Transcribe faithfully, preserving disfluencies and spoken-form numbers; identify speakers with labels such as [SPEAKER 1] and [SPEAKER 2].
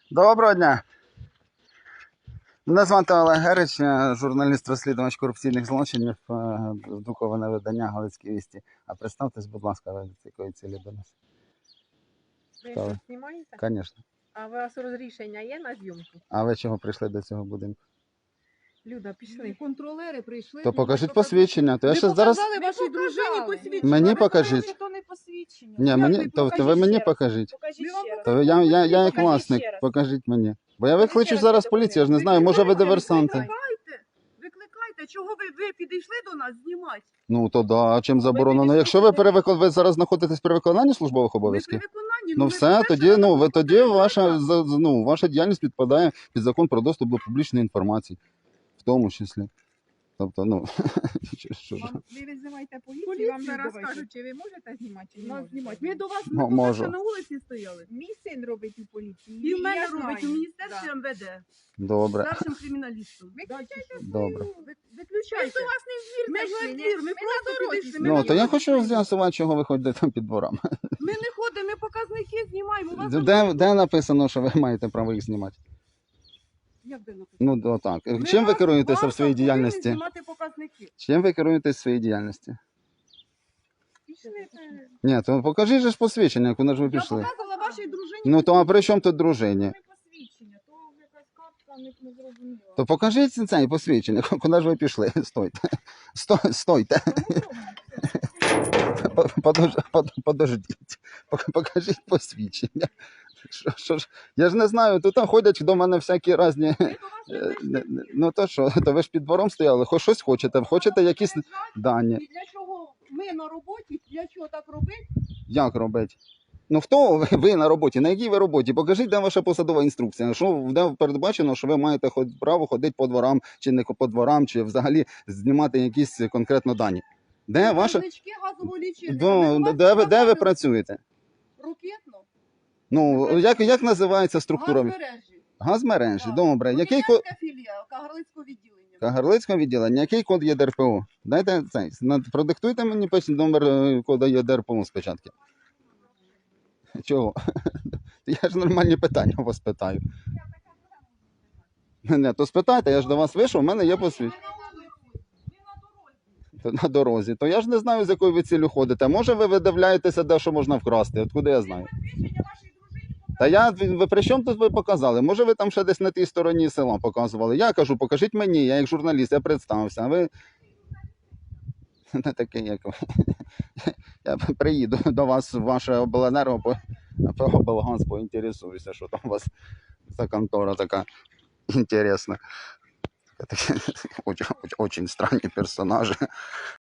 [SPEAKER 1] Доброго дня. Мене звати Олег Герич, я журналіст-розслідувач корупційних злочинів, е, друковане видання «Галицькі вісті». А представтесь, будь ласка, ви з якої цілі до нас?
[SPEAKER 2] Ви
[SPEAKER 1] Хто ви?
[SPEAKER 2] що, знімаєте?
[SPEAKER 1] Звісно.
[SPEAKER 2] А у вас розрішення є на зйомку?
[SPEAKER 1] А ви чого прийшли до цього будинку?
[SPEAKER 2] Люда, пішли.
[SPEAKER 3] Контролери прийшли.
[SPEAKER 1] То
[SPEAKER 3] ну,
[SPEAKER 1] покажіть
[SPEAKER 3] ви
[SPEAKER 1] посвідчення. То я
[SPEAKER 3] Ви
[SPEAKER 1] ще зараз...
[SPEAKER 3] показали вашій
[SPEAKER 2] Ви
[SPEAKER 3] дружині
[SPEAKER 2] показали.
[SPEAKER 3] посвідчення.
[SPEAKER 1] Мені
[SPEAKER 3] Ви
[SPEAKER 1] покажіть.
[SPEAKER 3] кажете, що то не посвідчення.
[SPEAKER 1] Ні,
[SPEAKER 3] Як
[SPEAKER 1] мені...
[SPEAKER 3] ви?
[SPEAKER 1] то, то ви
[SPEAKER 3] Покажіть
[SPEAKER 1] мені
[SPEAKER 3] ще раз.
[SPEAKER 1] покажіть.
[SPEAKER 3] Покажіть
[SPEAKER 2] Ми вам
[SPEAKER 3] ще раз.
[SPEAKER 1] То я, я, я як
[SPEAKER 3] Покажіть
[SPEAKER 1] власник,
[SPEAKER 3] ще раз.
[SPEAKER 1] покажіть мені. Бо я викличу
[SPEAKER 3] ще раз
[SPEAKER 1] зараз
[SPEAKER 3] це
[SPEAKER 1] поліцію, я ж не
[SPEAKER 3] документи.
[SPEAKER 1] знаю, може ви
[SPEAKER 3] Викликайте,
[SPEAKER 1] диверсанти.
[SPEAKER 3] Викликайте, викликайте. Чого ви, ви підійшли до нас знімати?
[SPEAKER 1] Ну то да, а чим заборонено?
[SPEAKER 3] підійшли
[SPEAKER 1] Якщо ви
[SPEAKER 3] до-
[SPEAKER 1] перевикон... ви зараз знаходитесь при виконанні службових
[SPEAKER 3] Ми при
[SPEAKER 1] обов'язків?
[SPEAKER 3] виконанні.
[SPEAKER 1] Ну
[SPEAKER 3] ми
[SPEAKER 1] все,
[SPEAKER 3] ж
[SPEAKER 1] тоді,
[SPEAKER 3] перше
[SPEAKER 1] ну, ви
[SPEAKER 3] на
[SPEAKER 1] тоді
[SPEAKER 3] виконання
[SPEAKER 1] ваша,
[SPEAKER 3] наказу.
[SPEAKER 1] за- ну, ваша діяльність підпадає під закон про доступ до публічної інформації, в тому числі. Тобто, ну, що- що ж.
[SPEAKER 2] Вам, ви визиваєте поліцію,
[SPEAKER 3] Поліцію
[SPEAKER 2] вам зараз
[SPEAKER 3] давайте.
[SPEAKER 2] скажуть, чи ви можете знімати, чи не
[SPEAKER 3] Нас
[SPEAKER 2] можете.
[SPEAKER 3] знімати. Ми до вас
[SPEAKER 1] Ну,
[SPEAKER 3] ми
[SPEAKER 1] можу.
[SPEAKER 3] ще на вулиці стояли.
[SPEAKER 2] Мій син робить у поліції.
[SPEAKER 3] І в мене
[SPEAKER 2] я
[SPEAKER 3] робить у
[SPEAKER 2] знаю.
[SPEAKER 3] міністерстві
[SPEAKER 2] Да.
[SPEAKER 3] ем ве де.
[SPEAKER 1] Добре,
[SPEAKER 3] Старшим криміналістом.
[SPEAKER 2] Виключайте
[SPEAKER 1] добре.
[SPEAKER 2] свою- ви-
[SPEAKER 3] Ми
[SPEAKER 2] Виключайте.
[SPEAKER 3] до вас не в двір
[SPEAKER 2] Ми
[SPEAKER 3] зайшли,
[SPEAKER 2] ж
[SPEAKER 3] ні.
[SPEAKER 2] не-
[SPEAKER 3] Ми
[SPEAKER 2] ми
[SPEAKER 3] просто
[SPEAKER 2] на дорозі
[SPEAKER 3] підійшли. Ми
[SPEAKER 1] Ну,
[SPEAKER 3] на
[SPEAKER 1] то я
[SPEAKER 3] дорозі
[SPEAKER 1] хочу
[SPEAKER 3] стоїмо.
[SPEAKER 1] з'ясувати, чого ви ходите там під дворами.
[SPEAKER 3] Ми не ходимо, ми показники знімаємо. У вас
[SPEAKER 1] Де, де написано, що ви маєте право їх знімати?
[SPEAKER 3] Як де написано?
[SPEAKER 1] Ну, то так.
[SPEAKER 3] Ми
[SPEAKER 1] Чим ви
[SPEAKER 3] вас-
[SPEAKER 1] керуєтеся
[SPEAKER 3] вас
[SPEAKER 1] в своїй
[SPEAKER 3] повинні
[SPEAKER 1] діяльності?
[SPEAKER 3] знімати показники.
[SPEAKER 1] Чим ви керуєтесь в своїй діяльності?
[SPEAKER 2] Пішли, це-
[SPEAKER 1] Ні, то покажіть же ж посвідчення, куди ж ви
[SPEAKER 3] Я
[SPEAKER 1] пішли.
[SPEAKER 3] показала вашій дружині.
[SPEAKER 1] Ну, то а при чому тут дружині?
[SPEAKER 3] Не посвідчення, то якась картка не, не зрозуміла.
[SPEAKER 1] То покажіть це посвідчення, куди ж ви пішли? Стойте. Сто- Стойте. Подож, под- подождіть, Пок- покажіть посвідчення. Що, що ж, я ж не знаю, тут ходять до мене всякі різні.
[SPEAKER 3] Ми до вас не
[SPEAKER 1] е,
[SPEAKER 3] прийшли.
[SPEAKER 1] не- не- Ну то що, то ви ж під двором стояли, хоч щось хочете, хочете якісь дані.
[SPEAKER 3] І для чого ми на роботі, для чого так робити?
[SPEAKER 1] Як робити? Ну хто ви, ви на роботі? На якій ви роботі? Покажіть, де ваша посадова інструкція. Що де передбачено, що ви маєте ход- право ходити по дворам, чи не по дворам, чи взагалі знімати якісь конкретно дані. Де ваша.
[SPEAKER 3] Значки газового лічильника.
[SPEAKER 1] До,
[SPEAKER 3] Ми до вас
[SPEAKER 1] де, ви, де ви
[SPEAKER 3] показали
[SPEAKER 1] працюєте?
[SPEAKER 3] Ракетно.
[SPEAKER 1] Ну, як, як називається структура?
[SPEAKER 3] Газмережі.
[SPEAKER 1] Газмережі,
[SPEAKER 3] Так.
[SPEAKER 1] добре. Який код?
[SPEAKER 3] Рокітянська філія Кагарлицького відділення.
[SPEAKER 1] Кагарлицького відділення. Який код є ДРПО? Дайте цей. на- Продиктуйте мені печ- номер е, коду є ДРПО спочатку. Чого? Я ж нормальні питання у вас питаю. Не, то спитайте, я ж до вас вийшов, у мене є посвідчення.
[SPEAKER 3] Ми на вулиці, ми на дорозі.
[SPEAKER 1] То на дорозі. То я ж не знаю, з якою ви цілю ходите. Може ви видивляєтеся, де що можна вкрасти? Откуда я знаю?
[SPEAKER 3] Посвідчення вашій дружині
[SPEAKER 1] Та я, ви при чому тут ви показали? Може ви там ще десь на тій стороні села показували? Я кажу, покажіть мені, я як журналіст, я представився, а ви не такий, як ви. Я приїду до вас в ваше обленерго, по по облгаз, поінтересуюся, що там у вас за контора така інтересна. Такі, очень, очень странні персонажі.